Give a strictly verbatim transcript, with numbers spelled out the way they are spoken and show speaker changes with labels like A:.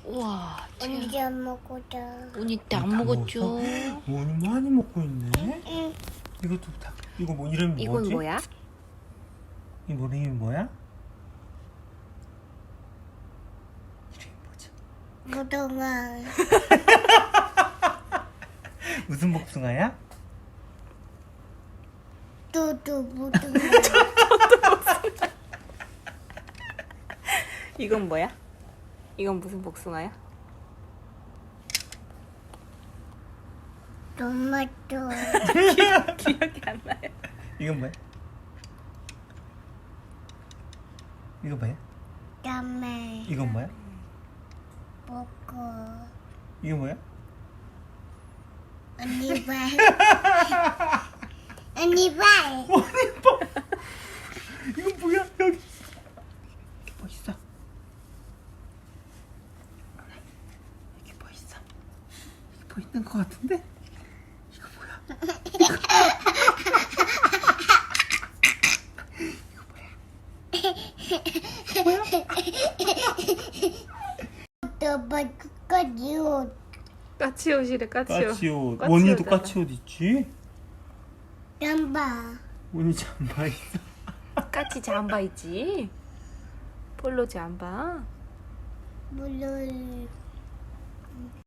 A: 우와,
B: 언제 안 먹었다.
A: 오니 때 안 먹었죠?
C: 오니 많이 먹고 있네.
B: 응.
C: 이것도 다. 이거 뭐 이름이
A: 이건
C: 뭐지?
A: 뭐야?
C: 이 뭐 이름이 뭐야? 이름이 뭐지?
B: 무동아.
C: 무슨 복숭아야?
B: 또또 무동아.
A: 이건 뭐야? 이건 무슨 복숭아야?
B: 토마토.
A: 기억이 안 나요.
C: 이건 뭐야? 이거 뭐야?
B: 다음에
C: 이건 뭐야?
B: 먹고
C: 이거 뭐야?
B: 언니 발. 언니 발.
C: 이건 뭐야? 여기 뭐 있어? 여기 뭐 있어? 여기 뭐 있는 것 같은데? 이거 뭐야?
B: 또 먹까지 옷.
A: 까치옷이래, 까치옷.
C: 까치옷.
A: 까치옷
C: 원이도
A: 알아.
C: 까치옷 있지?
B: 잠바.
C: 원이 잠바 있어.
A: 까치 잠바 있지? 폴로 잠바.
B: 물을